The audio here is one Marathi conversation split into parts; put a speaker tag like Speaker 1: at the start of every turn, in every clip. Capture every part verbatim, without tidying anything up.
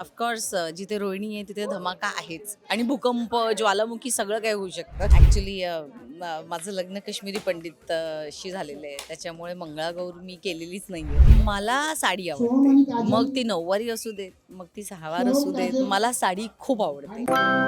Speaker 1: ऑफकोर्स जिथे रोहिणी आहे तिथे धमाका आहेच आणि भूकंप ज्वालामुखी सगळं काय होऊ शकतं. ॲक्च्युली माझं लग्न काश्मीरी पंडित अ, शी झालेलं आहे, त्याच्यामुळे मंगळागौर मी केलेलीच नाही आहे. मला साडी आवडते, मग ती नऊवारी असू देत, मग ती सहावार असू देत, मला साडी खूप आवडते.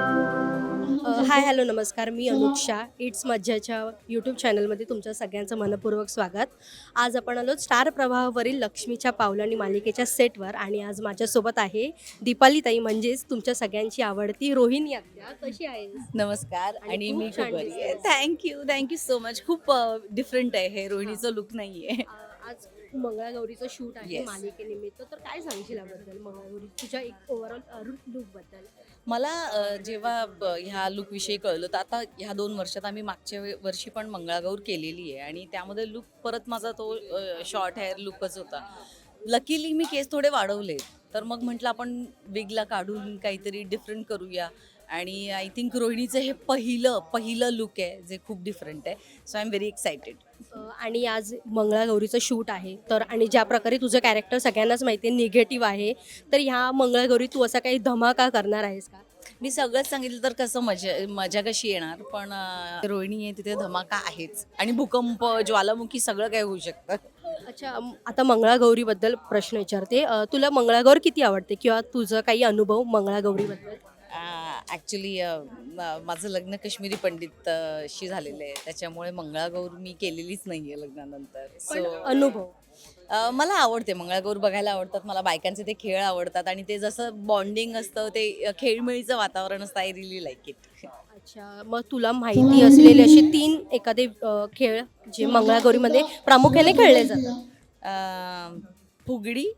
Speaker 2: अ, हाय हॅलो नमस्कार. मी अनुक्षा इट्स मज्जाच्या यूट्यूब चॅनलमध्ये तुमच्या सगळ्यांचं मनपूर्वक स्वागत. आज आपण आलो स्टार प्रवाहावरील लक्ष्मीच्या पावलांनी मालिकेच्या सेटवर आणि आज माझ्यासोबत आहे दीपाली ताई, म्हणजेच तुमच्या सगळ्यांची आवडती रोहिणी आत्या. कशी आहे?
Speaker 1: नमस्कार.
Speaker 2: आणि
Speaker 1: आणि
Speaker 2: खूप
Speaker 1: मी खूप
Speaker 2: छान
Speaker 1: बरी आहे.
Speaker 2: दिसतेस.
Speaker 1: Thank you thank you so much. खूप डिफरंट आहे हे, रोहिणीचं लुक नाही आहे.
Speaker 2: आज मंगळागौरीचं शूट आहे
Speaker 1: Yes.
Speaker 2: मालिकेनिमित्त, तर काय सांगशील याबद्दल, मंगळागौरी तुझ्या एक ओव्हरऑल लुकबद्दल?
Speaker 1: मला अ, जेव्हा ब- ह्या लुकविषयी कळलं तर आता ह्या दोन वर्षात आम्ही मागच्या वे- वर्षी पण मंगळागौर केलेली आहे आणि त्यामध्ये लुक परत माझा तो शॉर्ट हेअर लुकच होता. लकीली मी केस थोडे वाढवले, तर मग म्हटलं आपण विगला काढून काहीतरी डिफरंट करूया. आणि आय थिंक रोहिणीचं हे पहिलं पहिलं लुक आहे जे खूप डिफरंट आहे. So I am very excited.
Speaker 2: अ, आणि आज मंगळागौरीचं शूट आहे, तर आणि ज्या प्रकारे तुझं कॅरेक्टर सगळ्यांनाच माहिती आहे निगेटिव्ह आहे, तर ह्या मंगळागौरी तू असा काही धमाका करणार आहेस का?
Speaker 1: मी सगळंच सांगितलं तर कसं मजा मजा कशी येणार, पण अ, रोहिणी आहे तिथे धमाका आहेच आणि भूकंप ज्वालामुखी सगळं काय होऊ शकतं.
Speaker 2: अच्छा, अम, आता मंगळागौरीबद्दल प्रश्न विचारते. अ, तुला मंगळागौर किती आवडते किंवा तुझं काही अनुभव मंगळागौरीबद्दल?
Speaker 1: ॲक्च्युली माझं लग्न काश्मीरी पंडित अ, शी झालेलं आहे, त्याच्यामुळे मंगळागौर मी केलेलीच नाही आहे लग्नानंतर.
Speaker 2: पण
Speaker 1: सो
Speaker 2: अनुभव
Speaker 1: अ, मला आवडते मंगळागौर बघायला आवडतात. मला बायकांचे ते खेळ आवडतात आणि ते जसं बॉन्डिंग असतं, ते अ, खेळमेळीचं वातावरण असतं. I really like it.
Speaker 2: अच्छा, मग तुला माहिती असलेले असे तीन एखादे अ, खेळ जे मंगळागौरीमध्ये प्रामुख्याने खेळले जातात?
Speaker 1: फुगडी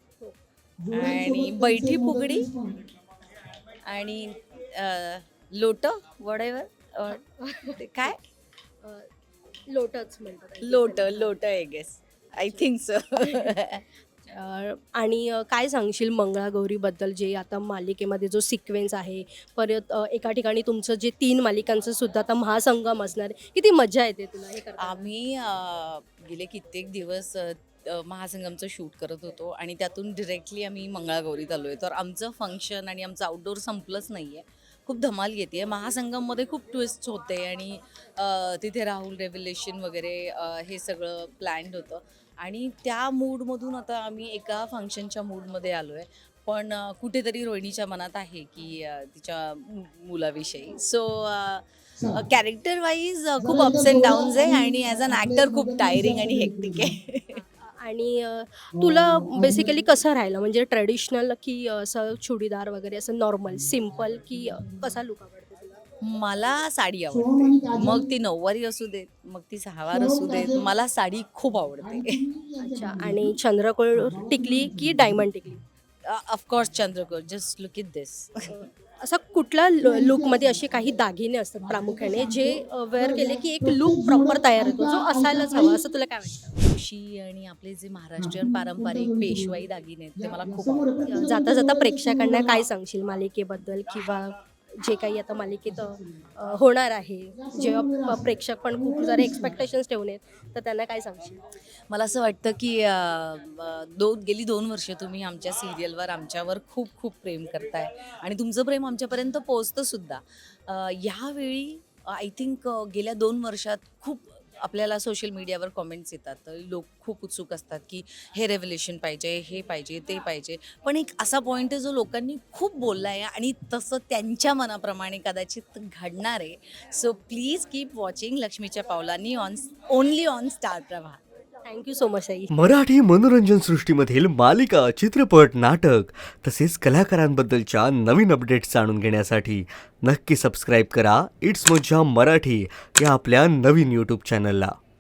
Speaker 1: आणि बैठी फुगडी आणि अ, लोटं वडेवर ते काय
Speaker 2: अ, लोटच म्हणतात I think.
Speaker 1: Lot lot I guess, I think so.
Speaker 2: अ, आणि अ, काय सांगशील मंगळागौरीबद्दल, जे आता मालिकेमध्ये जो सिक्वेन्स आहे, परत अ, एका ठिकाणी तुमचं जे तीन मालिकांचं सुद्धा आता महासंगम असणार आहे, किती मजा येते तुला हे करताना?
Speaker 1: आम्ही अ, गेले कित्येक दिवस अ, अ, महासंगमचं शूट करत होतो आणि त्यातून डिरेक्टली आम्ही मंगळागौरीत आलो आहे. तर आमचं फंक्शन आणि आमचं आउटडोअर संपलंच नाही आहे. खूप धमाल येते. महासंगममध्ये खूप ट्विस्ट होते आणि अ, तिथे राहुल रेव्हलेशन वगैरे अ, हे सगळं प्लॅन्ड होतं आणि त्या मूडमधून आता आम्ही एका फंक्शनच्या मूडमध्ये आलो आहे. पण अ, कुठेतरी रोहिणीच्या मनात आहे की अ, तिच्या मु मुलाविषयी. सो कॅरेक्टर वाईज खूप अप्स अँड डाऊन्स आहे आणि ॲज अन ॲक्टर खूप टायरिंग आणि हेक्टिक आहे.
Speaker 2: आणि अ, तुला बेसिकली कसं राहिलं, म्हणजे ट्रेडिशनल की असं चुडीदार वगैरे, असं नॉर्मल सिम्पल, की अ, कसा लुक आवडतो तुला?
Speaker 1: मला साडी आवडते, मग ती नऊवारी असू देत, मग ती सहावार असू देत, मला साडी खूप आवडते.
Speaker 2: अच्छा, आणि चंद्रकोर टिकली की डायमंड टिकली?
Speaker 1: ऑफकोर्स चंद्रकोर. Just look it this.
Speaker 2: अ, असा कुठला लुकमध्ये असे काही दागिने असतात प्रामुख्याने जे वेअर केले की एक लुक प्रॉपर तयार होतो, जो असायलाच हवा, असं तुला काय वाटतं?
Speaker 1: ठुशी आणि आपले जे महाराष्ट्रीयन पारंपरिक पेशवाई दागिने आहेत ते मला खूप आवडतात.
Speaker 2: अ, जाता जाता प्रेक्षकांना काय सांगशील मालिकेबद्दल, किंवा जे काही आता मालिकेत अ, होणार आहे, जेव्हा प- प्रेक्षक पण खूप सारे एक्सपेक्टेशन्स ठेवून आहेत, तर त्यांना काय सांगशील?
Speaker 1: मला असं वाटतं की अ, अ, दोन गेली दोन वर्ष तुम्ही आमच्या सिरियलवर आमच्यावर खूप खूप प्रेम करताय आणि तुमचं प्रेम आमच्यापर्यंत पोहोचतं सुद्धा. अ, ह्यावेळी आय थिंक गेल्या दोन वर्षात खूप आपल्याला सोशल मीडियावर कॉमेंट्स येतात. तर लोक खूप उत्सुक असतात की हे रेव्हलेशन पाहिजे, हे पाहिजे, ते पाहिजे. पण एक असा पॉईंट आहे जो लोकांनी खूप बोलला आहे आणि तसं त्यांच्या मनाप्रमाणे कदाचित घडणार आहे. सो प्लीज कीप वॉचिंग लक्ष्मीच्या पावलांनी on only on Star Pravah.
Speaker 2: Thank you so much आई.
Speaker 3: मराठी मनोरंजन सृष्टीमधील मालिका, चित्रपट, नाटक तसेच कलाकारांबद्दलच्या नवीन अपडेट्स जाणून घेण्यासाठी नक्की सबस्क्राईब करा इट्स मज्जा मराठी या आपल्या नवीन यूट्यूब चॅनलला.